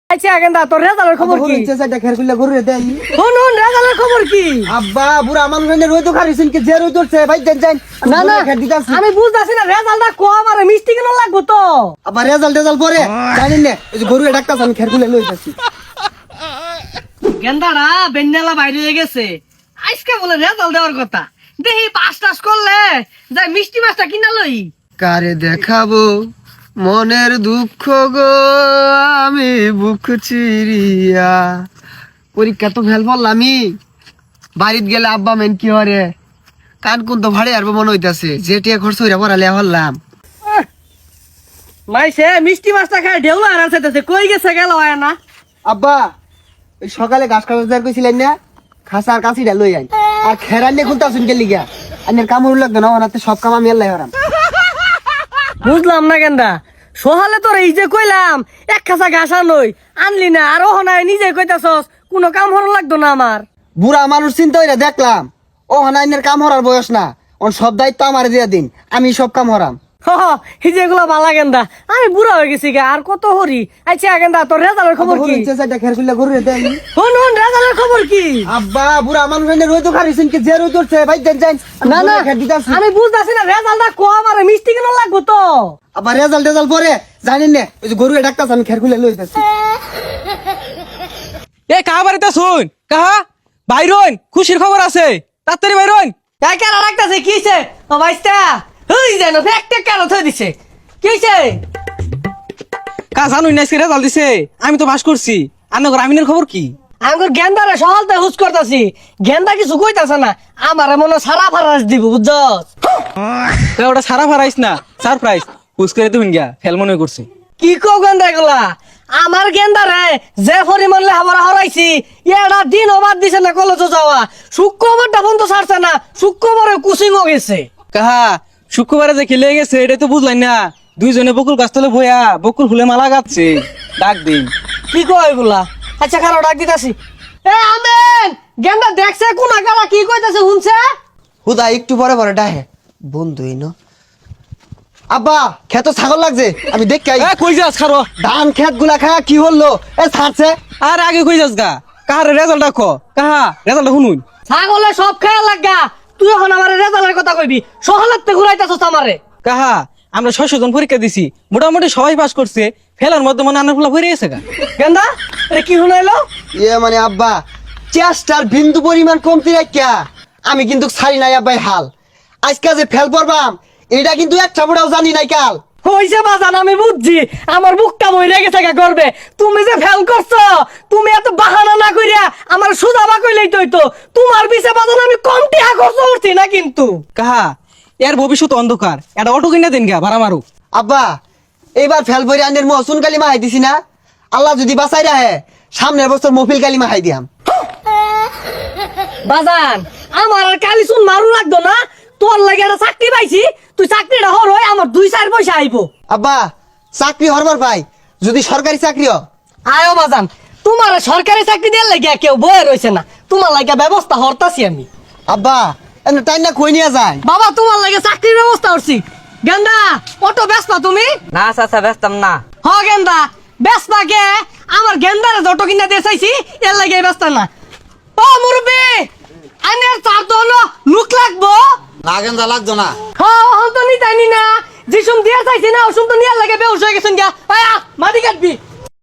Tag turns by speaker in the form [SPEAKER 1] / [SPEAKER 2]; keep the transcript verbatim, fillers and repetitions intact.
[SPEAKER 1] আচ্ছা গেন্দা তোর রেজাল্টের খবর কি?
[SPEAKER 2] ইচ্ছা চাইটা খের খুলে ঘুরে দেই।
[SPEAKER 1] শুন শুন রেজাল্টের খবর কি?
[SPEAKER 2] আব্বা বুড়া মানুষ এনে রই তো খারিছেন কি যে রই ধরছে ভাই দেন যান।
[SPEAKER 1] না না
[SPEAKER 2] খের দিতাছি।
[SPEAKER 1] আমি বুঝতাছি না রেজাল্টটা কম আর মিষ্টি কেন লাগবো তো?
[SPEAKER 2] আবার রেজাল্ট রেজাল্ট পরে জানেন না ওই যে গরু ডাক্তার আমি খের খুলে লই যাচ্ছি।
[SPEAKER 1] গেন্দারা বেন্ডালা বাইরে হয়ে গেছে আজকে বলে রেজাল্ট দেওয়ার কথা দেখি পাস টাস করলে যাই মিষ্টি মাছটা কিনা লই।
[SPEAKER 2] কারে দেখাবো মনের দুঃখ গো আমি বুক চিরিয়া। পরীক্ষা তো ফেল পড়লামই বাড়িতে গেলে আব্বা মেন কি হরে কান কোন তো ভাড়ে আসবো মনে হইতাছে যেটিয়া খরচ হইরা পড়ালে হল্লাম।
[SPEAKER 1] মাইসে মিষ্টি মাছটা খায় ঢেউ আর আছে কই গেছে গেল হয় না।
[SPEAKER 2] আব্বা ওই সকালে ঘাস কাটার কইছিলেন না খাসার কাছিটা লই আইন আর খেরান নিয়ে খুলতে আসুন গেলি গা আনের কামড় লাগবে না ওনাতে সব কাম আমি আল্লাহ হারাম।
[SPEAKER 1] বুঝলাম না গেন্দা সহালে তোর এই যে কইলাম এক খাসা ঘাস আনই আনলি না আর ও নাই নিজে কইতাছস কোনো কাম হর লাগতো না আমার।
[SPEAKER 2] বুড়া মানুষ চিন্তা হইরা দেখলাম ও হানাইনের কাম হরার বয়স না ওর সব দায়িত্ব আমার দিয়া দিন আমি সব কাম হরাম।
[SPEAKER 1] এই যে এগুলা বালা গেন্দা আমি বুড়া হয়ে গেছি গা আর কত হরি। আচ্ছা গেন্দা তোর রেজাল্টের খবর কি?
[SPEAKER 2] ইচ্ছা চাইটা খের খুলে ঘুরে দেই।
[SPEAKER 1] শুন শুন রেজাল্টের খবর কি?
[SPEAKER 2] আব্বা বুড়া মানুষ এনে রই তো খারিছেন কি যে রই ধরছে ভাই দেন যান।
[SPEAKER 1] না না
[SPEAKER 2] খের দিতাছি।
[SPEAKER 1] আমি বুঝতাছি না রেজাল্টটা কম আর মিষ্টি কেন লাগবো তো?
[SPEAKER 2] আবার রেজাল্ট রেজাল্ট পরে জানেন না ওই যে গরু ডাক্তার আমি খের খুলে লই যাচ্ছি।
[SPEAKER 3] এ কাহা বাড়িতে শুন কাহা বাইরন খুশির খবর আছে তাড়াতাড়ি বাইরন।
[SPEAKER 1] কেন রাখতেছে কিছে ও ভাইস্তা হই যেন ফ্যাক্টে কেন থই দিছে কিছে?
[SPEAKER 3] কা জানুই না রেজাল্ট দিছে আমি তো পাস করছি আর নগর আমিনের খবর কি?
[SPEAKER 1] আঙ্গুর গেন্দারে সকালতে হুস করতাছি গেন্দা কিছু কইতাছে না আমারে মনে সারা ফারাস দিব বুঝছস?
[SPEAKER 3] তো ওটা সারা ফারাইস না সারপ্রাইজ হুস করে তুমি গিয়া ফেল মনে করছে।
[SPEAKER 1] কি কও গেন্দা এগুলা? আমার গেন্দারে যে পরিমাণ লেহাপড়া হরাইছি এটা দিন অবাদ দিছে না কলেজে যাওয়া শুক্রবারটা বন্ধ ছাড়ছে না শুক্রবারে কুচিংও গেছে।
[SPEAKER 3] কাহা শুক্রবারে যে খেলে গেছে এটাই তো বুঝলাই না দুইজনে বকুল গাছতলে বইয়া বকুল ফুলে মালা গাচ্ছে ডাক দিন।
[SPEAKER 1] কি কয় এগুলা? আচ্ছা খারাপ ডাক দিতাছি। এ আমেন গেন্দা দেখছে কোন আগালা কি কইতাছে শুনছে?
[SPEAKER 2] হুদা একটু পরে পরে ডাহে বন্ধুই ন। আব্বা খেত ছাগল লাগছে আমি দেখ
[SPEAKER 3] এ কই যাস খারো
[SPEAKER 2] ধান খেত গুলা খায়া কি হলো এ ছাড়ছে।
[SPEAKER 3] আর আগে কই যাস গা কাহার রেজাল্ট দেখো কাহা রেজাল্ট শুনুন।
[SPEAKER 1] ছাগলে সব খেয়াল লাগা তুই এখন আমার রেজাল্টের কথা কইবি সহলাতে ঘুরাইতাছস আমারে।
[SPEAKER 3] কাহা আমরা ছয়শ জন পরীক্ষা দিছি মোটামুটি সবাই পাস করছে ফেলার মধ্যে মনে আনার ফুলা ভরে গেছে গা।
[SPEAKER 1] গেন্দা এটা কি শুনাইলো?
[SPEAKER 2] ইয়ে মানে আব্বা চেষ্টার বিন্দু পরিমাণ কমতি রাখিয়া আমি কিন্তু ছাড়ি নাই আব্বাই হাল আজকে যে ফেল পড়বাম এটা কিন্তু একটা বুড়াও জানি নাই কাল।
[SPEAKER 1] হইছে বাজান আমি বুঝছি আমার বুকটা মইরা গেছে গা করবে তুমি যে ফেল করছো তুমি এত বাহানা না কইরা আমার সুজাবা কইলেই তো হইতো তোমার পিছে বাজান আমি কম টাকা খরচ করছি না কিন্তু।
[SPEAKER 3] কাহা এর ভবিষ্যৎ অন্ধকার এটা অটো কিনা দেন গা ভাড়া মারু।
[SPEAKER 2] আব্বা এইবার ফেল পরে আনের মহসুন কালিমা হাই দিছি না আল্লাহ যদি বাঁচাই রাহে সামনের বছর মফিল কালিমা হাই দিয়াম।
[SPEAKER 1] বাজান আমার আর কালি শুন মারু লাগতো না তোর লাগে একটা চাকরি পাইছি তুই চাকরিটা হর হয় আমার দুই চার পয়সা আইবো।
[SPEAKER 2] আব্বা চাকরি হরবার পাই যদি সরকারি চাকরি হ
[SPEAKER 1] আয়ো বাজান তোমার সরকারি চাকরি দেওয়ার লাগে কেউ বয়ে রয়েছে না তোমার লাগে ব্যবস্থা হরতাছি আমি।
[SPEAKER 2] আব্বা এমনি টাইম না কই নিয়ে যায়
[SPEAKER 1] বাবা তোমার লাগে চাকরির ব্যবস্থা করছি। গেন্দা অটো ব্যস্ত তুমি?
[SPEAKER 4] না চাচা ব্যস্তাম না।
[SPEAKER 1] হ গেন্দা ব্যস্ত কে আমার গেন্দার যত কিনা দিয়ে চাইছি এর লাগে ব্যস্ত না। ও মুরব্বি আনের চার তো হলো লুক লাগবো
[SPEAKER 4] না গেন্দা লাগতো না।
[SPEAKER 1] হ্যাঁ হন তো নি জানি না যিসুম দিয়ে চাইছি না ওসুম তো নিয়ার লাগে বেউস হয়ে গেছেন গা আয়া মাটি কাটবি।